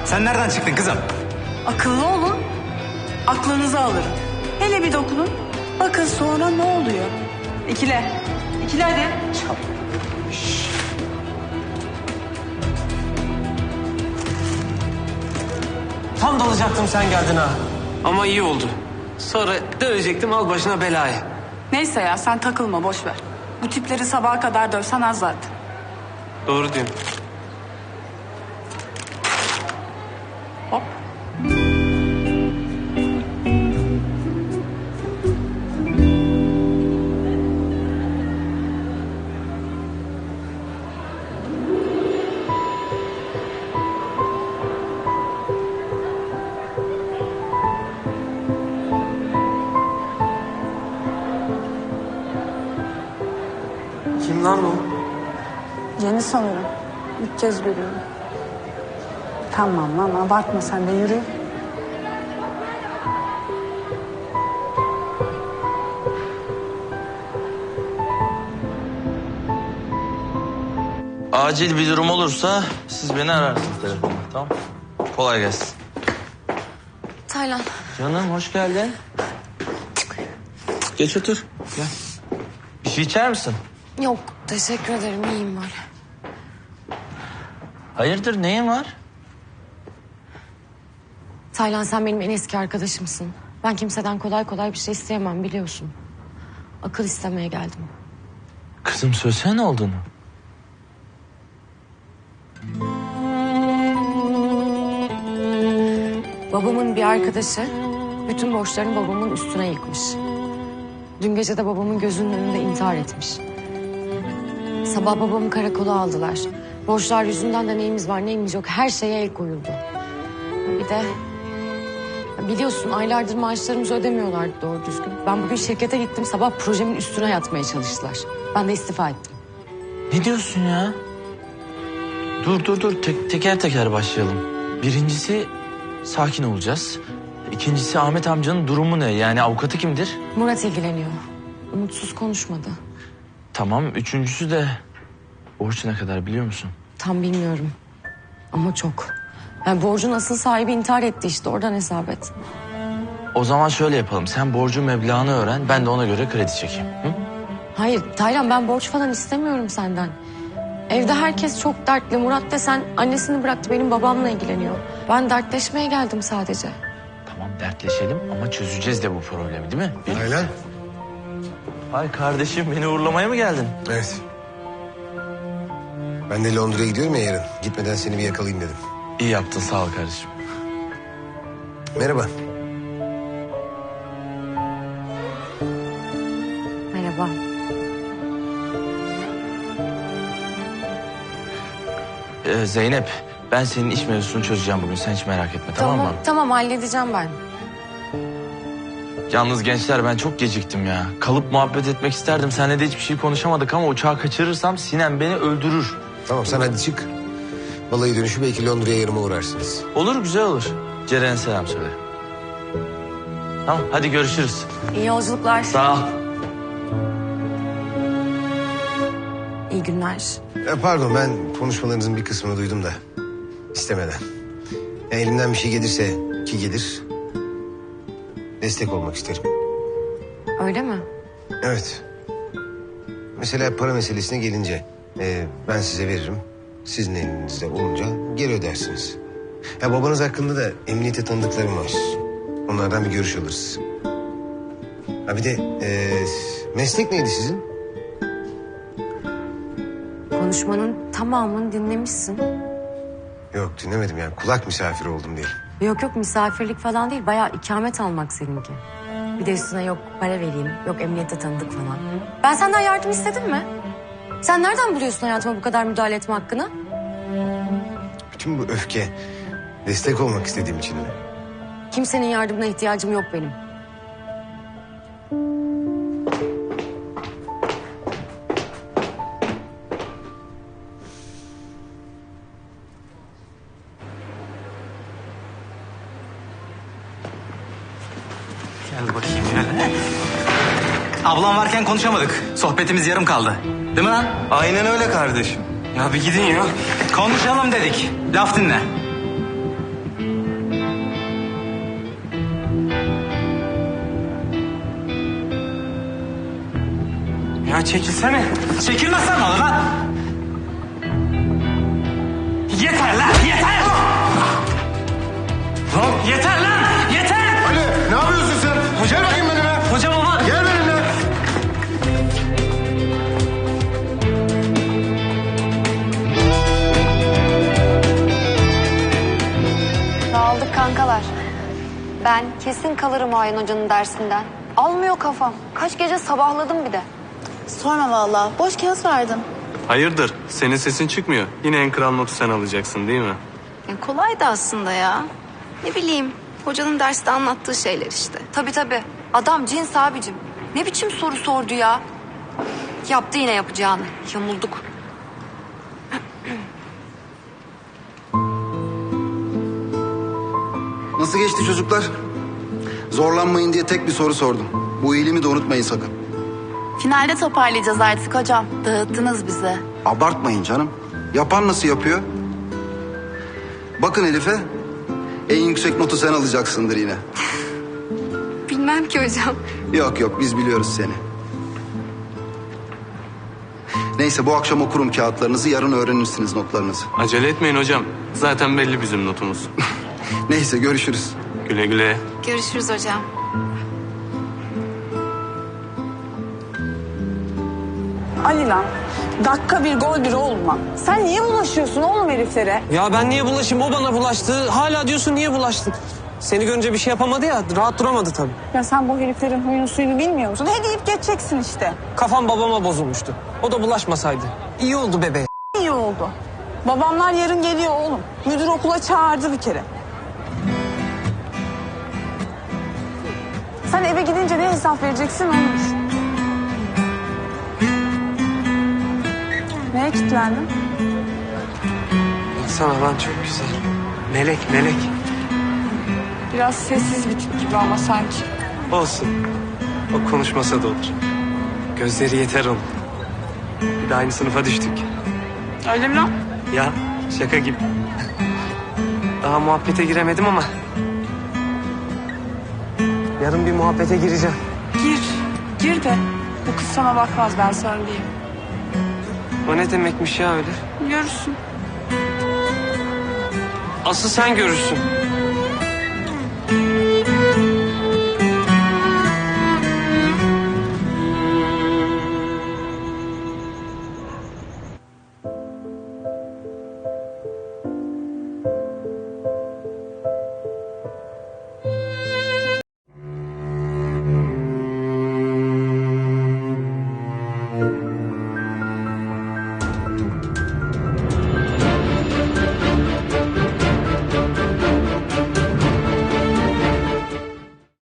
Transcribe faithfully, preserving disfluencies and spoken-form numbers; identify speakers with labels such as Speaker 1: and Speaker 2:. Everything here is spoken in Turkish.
Speaker 1: Sen nereden çıktın kızım?
Speaker 2: Akıllı olun. Aklınızı alırım. Hele bir dokunun. Bakın sonra ne oluyor? İkile. İkile hadi.
Speaker 1: Şşş.
Speaker 3: Tam dalacaktım sen geldin ha. Ama iyi oldu. Sonra dövecektim al başına belayı.
Speaker 2: Neyse ya sen takılma boş ver. Bu tipleri sabaha kadar dövsen az zaten.
Speaker 3: Doğru diyorsun.
Speaker 2: Hop.
Speaker 3: Kim lan bu?
Speaker 2: Yeni sanırım. İlk kez görüyorum. Tamam lan abartma sen de yürü.
Speaker 4: Acil bir durum olursa siz beni ararsınız telefonla, tamam? Kolay gelsin.
Speaker 5: Taylan.
Speaker 4: Canım hoş geldin. Geç otur. Gel. Bir şey içer misin?
Speaker 5: Yok teşekkür ederim iyiyim böyle.
Speaker 4: Hayırdır neyin var?
Speaker 5: Taylan sen benim en eski arkadaşımsın. Ben kimseden kolay kolay bir şey isteyemem biliyorsun. Akıl istemeye geldim.
Speaker 4: Kızım söylesene ne olduğunu.
Speaker 5: Babamın bir arkadaşı bütün borçlarını babamın üstüne yıkmış. Dün gece de babamın gözünün önünde intihar etmiş. Sabah babamı karakola aldılar. Borçlar yüzünden de neyimiz var neyimiz yok her şeye el koyuldu. Bir de biliyorsun aylardır maaşlarımızı ödemiyorlardı doğru düzgün. Ben bugün şirkete gittim sabah projemin üstüne yatmaya çalıştılar. Ben de istifa ettim.
Speaker 4: Ne diyorsun ya? Dur dur dur Tek, teker teker başlayalım. Birincisi sakin olacağız. İkincisi Ahmet amcanın durumu ne? Yani avukatı kimdir?
Speaker 5: Murat ilgileniyor. Umutsuz konuşmadı.
Speaker 4: Tamam. Üçüncüsü de borç ne kadar biliyor musun?
Speaker 5: Tam bilmiyorum. Ama çok. Yani borcun asıl sahibi intihar etti işte oradan hesap et.
Speaker 4: O zaman şöyle yapalım. Sen borcun meblağını öğren. Ben de ona göre kredi çekeyim. Hı?
Speaker 5: Hayır Taylan ben borç falan istemiyorum senden. Evde herkes çok dertli. Murat desen annesini bıraktı benim babamla ilgileniyor. Ben dertleşmeye geldim sadece.
Speaker 4: Tamam dertleşelim ama çözeceğiz de bu problemi değil mi?
Speaker 6: Aylan.
Speaker 4: Ay kardeşim beni uğurlamaya mı geldin?
Speaker 6: Evet. Ben de Londra'ya gidiyorum ya yarın. Gitmeden seni bir yakalayayım dedim.
Speaker 4: İyi yaptın sağ ol kardeşim.
Speaker 6: Merhaba.
Speaker 5: Merhaba.
Speaker 4: Ee, Zeynep ben senin iş mevzusunu çözeceğim bugün. Sen hiç merak etme tamam,
Speaker 5: Tamam,
Speaker 4: mı?
Speaker 5: tamam halledeceğim ben.
Speaker 4: Yalnız gençler ben çok geciktim ya. Kalıp muhabbet etmek isterdim. Seninle de hiçbir şey konuşamadık ama uçağı kaçırırsam Sinem beni öldürür.
Speaker 6: Tamam sen hadi çık. Balayı dönüşü belki Londra'ya yarıma uğrarsınız.
Speaker 4: Olur güzel olur. Ceren'e selam söyle. Tamam hadi görüşürüz.
Speaker 5: İyi yolculuklar.
Speaker 4: Sağ ol.
Speaker 5: İyi günler.
Speaker 6: Ya pardon ben konuşmalarınızın bir kısmını duydum da istemeden. Ya elimden bir şey gelirse ki gelir destek olmak isterim.
Speaker 5: Öyle mi?
Speaker 6: Evet. Mesela para meselesine gelince e, ben size veririm. Sizin elinizde olunca geri ödersiniz. Ya babanız hakkında da emniyete tanıdıklarım var. Onlardan bir görüş alırız. Ha bir de e, meslek neydi sizin?
Speaker 5: Konuşmanın tamamını dinlemişsin.
Speaker 6: Yok dinlemedim yani kulak misafiri oldum diyelim.
Speaker 5: Yok yok misafirlik falan değil. Bayağı ikamet almak seninki. Bir de üstüne yok para vereyim, yok emniyette tanıdık falan. Ben senden yardım istedim mi? Sen nereden buluyorsun hayatıma bu kadar müdahale etme hakkını?
Speaker 6: Bütün bu öfke destek olmak istediğim için mi?
Speaker 5: Kimsenin yardımına ihtiyacım yok benim.
Speaker 1: Gel bakayım ya. Ablam varken konuşamadık. Sohbetimiz yarım kaldı. Değil mi lan?
Speaker 3: Aynen öyle kardeşim. Ya bir gidin ya.
Speaker 1: Konuşalım dedik. Laf dinle.
Speaker 3: Ya çekilsene.
Speaker 1: Çekilmezsen ne olur lan? Yeter lan yeter! Lan yeter lan yeter!
Speaker 6: Ali ne yapıyorsun sen? Gel bakayım benimle.
Speaker 3: Hocam ama...
Speaker 6: Gel benimle.
Speaker 5: Dağıldık kankalar. Ben kesin kalırım Ayin Hoca'nın dersinden. Almıyor kafam. Kaç gece sabahladım bir de.
Speaker 2: Sorma vallahi. Boş kağıt verdim.
Speaker 3: Hayırdır? Senin sesin çıkmıyor. Yine en kral notu sen alacaksın değil mi?
Speaker 7: Ya kolaydı aslında ya. Ne bileyim, hocanın derste anlattığı şeyler işte.
Speaker 5: Tabii tabii. Adam cins abicim. Ne biçim soru sordu ya? Yaptı yine yapacağını. Yamulduk.
Speaker 8: Nasıl geçti çocuklar? Zorlanmayın diye tek bir soru sordum. Bu iyiliğimi de unutmayın sakın.
Speaker 7: Finalde toparlayacağız artık hocam. Dağıttınız bizi.
Speaker 8: Abartmayın canım. Yapan nasıl yapıyor? Bakın Elif'e. En yüksek notu sen alacaksındır yine.
Speaker 7: Bilmem ki hocam.
Speaker 8: Yok yok biz biliyoruz seni. Neyse bu akşam okurum kağıtlarınızı, yarın öğrenirsiniz notlarınızı.
Speaker 3: Acele etmeyin hocam. Zaten belli bizim notumuz.
Speaker 8: Neyse görüşürüz.
Speaker 3: Güle güle.
Speaker 7: Görüşürüz hocam.
Speaker 2: Ali lan. Dakika bir gol bir olma. Sen niye bulaşıyorsun oğlum heriflere?
Speaker 3: Ya ben niye bulaşayım? O bana bulaştı. Hala diyorsun niye bulaştık? Seni görünce bir şey yapamadı ya. Rahat duramadı tabii.
Speaker 2: Ya sen bu heriflerin huyunu suyunu bilmiyor musun? He deyip geçeceksin işte.
Speaker 3: Kafam babama bozulmuştu. O da bulaşmasaydı. İyi oldu bebeğe.
Speaker 2: İyi oldu. Babamlar yarın geliyor oğlum. Müdür okula çağırdı bir kere. Sen eve gidince ne hesap vereceksin onu düşün. Neye kilitlendin?
Speaker 3: Sana lan çok güzel. Melek melek.
Speaker 2: Biraz sessiz bir tip gibi ama sanki.
Speaker 3: Olsun. O konuşmasa da olur. Gözleri yeter onun. Bir de aynı sınıfa düştük.
Speaker 2: Öyle mi lan?
Speaker 3: Ya şaka gibi. Daha muhabbete giremedim ama. Yarın bir muhabbete gireceğim.
Speaker 2: Gir. Gir de. Bu kız sana bakmaz ben söyleyeyim.
Speaker 3: O ne demekmiş ya öyle?
Speaker 2: Görürsün.
Speaker 3: Asıl sen görürsün.